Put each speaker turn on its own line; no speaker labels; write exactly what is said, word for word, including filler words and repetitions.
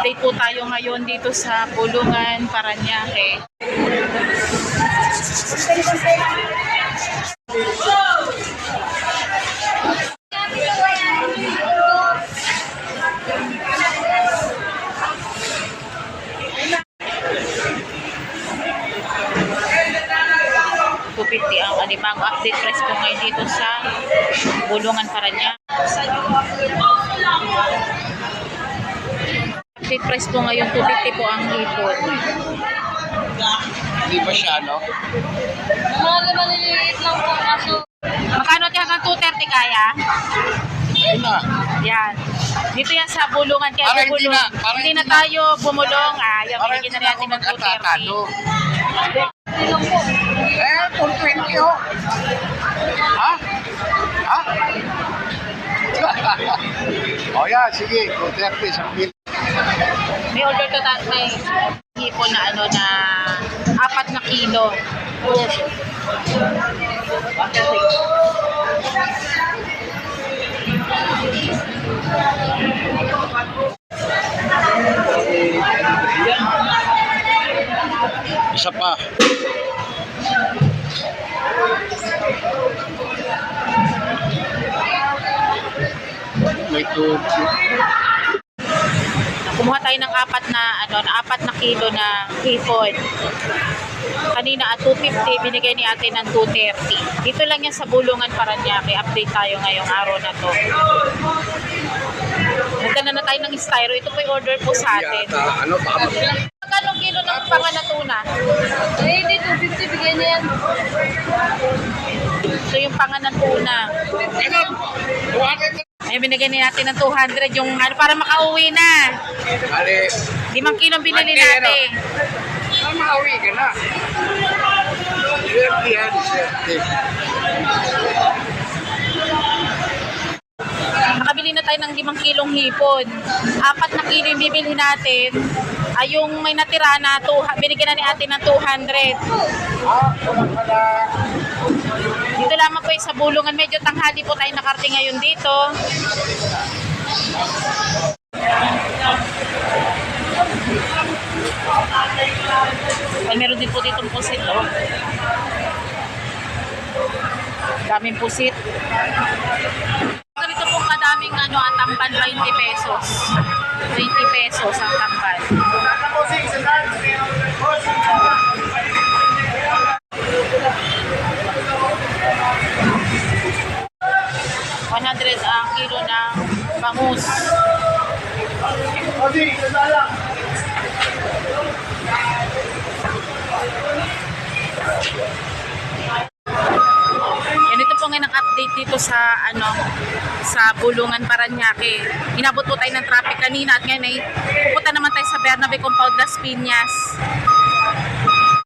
Update po tayo ngayon dito sa Bulungan, Parañaque. two fifty ang alimango. Update price po ngayon dito sa Bulungan, Parañaque. Update price po ngayon two fifty po ang hipon.
Hindi pa siya, no?
Mga maliliit lang po kaso.
Makano kaya hanggang two thirty kaya?
Ayun na.
Yan. Dito yan sa Bulungan. Kaya
Para hindi
bumulong.
na- para
hindi
hindi
na tayo bumulong. Ah, yan,
Para
binigyan
hindi
na
na ako
natin ng two thirty.
mag-atatalo.
Hindi lang po.
Eh, four twenty, oh. Ha? Ha? O yan, sige. four thirty, isang kilo.
May order to that may hipon na ano na apat na kilo.
Isa pa. May two.
Kumuha tayo ng apat na ano, na apat na kilo na hipon. Kanina at two fifty, binigay ni ate ng two thirty. Dito lang yan sa Bulungan, Parañaque. Update tayo ngayong araw na to. Nagdala na tayo ng styro. Ito po yung order po sa atin.
Yata, ano, baka mag-
Magkano kilo ng panganatuna?
Eh, hindi two fifty bigay na yan.
So yung panganatuna.
Ganun. Tuwanan ko.
Ay, binigay ni natin ng two hundred yung ano, para makauwi na.
Bali,
Limang kilong binili
Ate, ano?
natin.
ah, makauwi ka na. Swerte yan, swerte.
Nakabili na tayo ng limang kilong hipon. Apat na kilo yung bibili natin. Ay yung may natira na, two, binigyan na ni ate ng two hundred.
Ah, kulang ka na.
Dito lamang po yung sa Bulungan. Medyo tanghali po tayo nakarating ngayon dito. Ay, meron din po ditong pusit, oh. Daming pusit. Ganito po kadaming ano, ang tamban, twenty pesos. twenty pesos ang tamban. one hundred ang kilo ng bangus. Yan, ito po ngayon ang update dito sa ano sa Bulungan, Parañaque. Inabot po tayo ng traffic kanina at ngayon ay pupunta naman tayo sa Bernabe Compound, Las Piñas.